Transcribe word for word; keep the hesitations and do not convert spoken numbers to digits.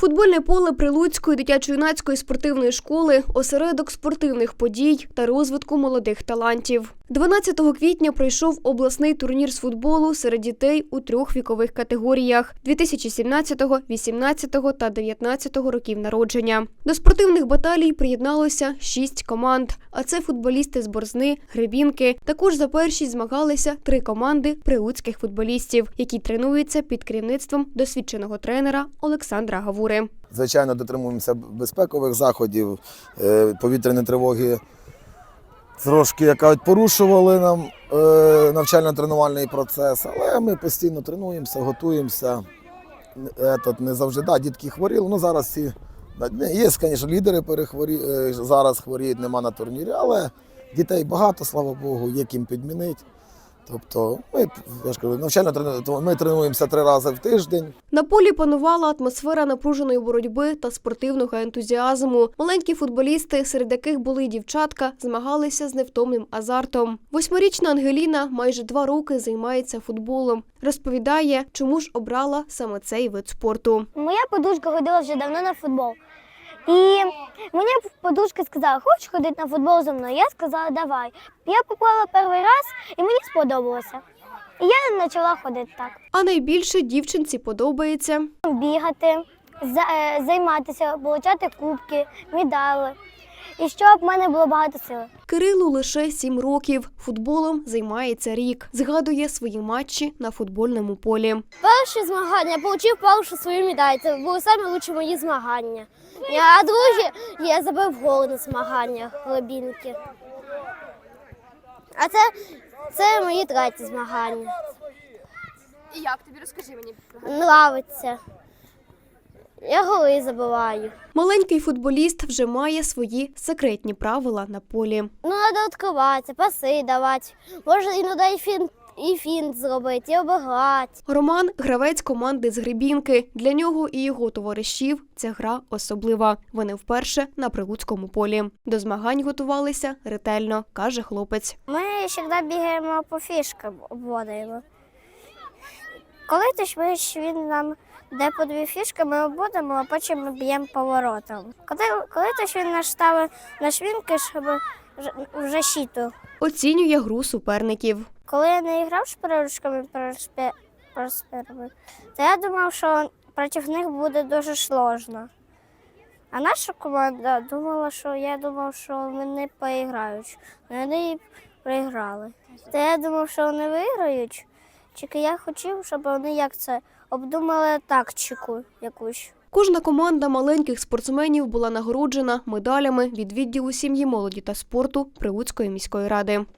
Футбольне поле Прилуцької дитячо-юнацької спортивної школи – осередок спортивних подій та розвитку молодих талантів. дванадцятого квітня пройшов обласний турнір з футболу серед дітей у трьох вікових категоріях – дві тисячі сімнадцятого, вісімнадцятого та дев'ятнадцятого років народження. До спортивних баталій приєдналося шість команд, а це футболісти з Борзни, Гребінки. Також за першість змагалися три команди прилуцьких футболістів, які тренуються під керівництвом досвідченого тренера Олександра Гавури. Звичайно, дотримуємося безпекових заходів, повітряні тривоги трошки яка порушували нам навчально-тренувальний процес, але ми постійно тренуємося, готуємося. Не завжди, да, дітки хворіли, ну зараз всі, є, звісно, лідери перехворі, зараз хворіють, нема на турнірі, але дітей багато, слава Богу, є ким підмінити. Тобто ми, я ж кажу, навчально ми тренуємося три рази в тиждень. На полі панувала атмосфера напруженої боротьби та спортивного ентузіазму. Маленькі футболісти, серед яких були й дівчатка, змагалися з невтомним азартом. Восьмирічна Ангеліна майже два роки займається футболом. Розповідає, чому ж обрала саме цей вид спорту. Моя подружка ходила вже давно на футбол. І мені подружка сказала, хочеш ходити на футбол зі мною? Я сказала, давай. Я попала перший раз і мені сподобалося. І я почала ходити так. А найбільше дівчинці подобається бігати, займатися, отримати кубки, медалі. І щоб в мене було багато сили. Кирилу лише сім років. Футболом займається рік. Згадує свої матчі на футбольному полі. Перші змагання, отримав першу свою медаль. Це були найкращі мої змагання. А друге, я забив гол на змаганнях Глибінки. А це, це мої треті змагання. І як тобі? Розкажи мені. Нравиться. Я голи забиваю. Маленький футболіст вже має свої секретні правила на полі. Ну, треба відкриватися, паси давати. Можна іноді і фінт, і фінт зробити, і обіграти. Роман – гравець команди з Гребінки. Для нього і його товаришів ця гра особлива. Вони вперше на Прилуцькому полі. До змагань готувалися ретельно, каже хлопець. Ми завжди бігаємо по фішкам, обводимо. Коли тож він нам де по дві фішки, ми обводимо, а потім ми б'ємо поворотом. Коли, коли тож він нас ставить на швінки, щоб в защиту. Оцінює гру суперників. Коли я не грав з переручками, то я думав, що проти них буде дуже складно. А наша команда думала, що я думав, що вони поіграють. Вони проіграли. То я думав, що вони виграють. Тільки я хотів, щоб вони як це обдумали тактику якусь. Кожна команда маленьких спортсменів була нагороджена медалями від відділу сім'ї, молоді та спорту Прилуцької міської ради.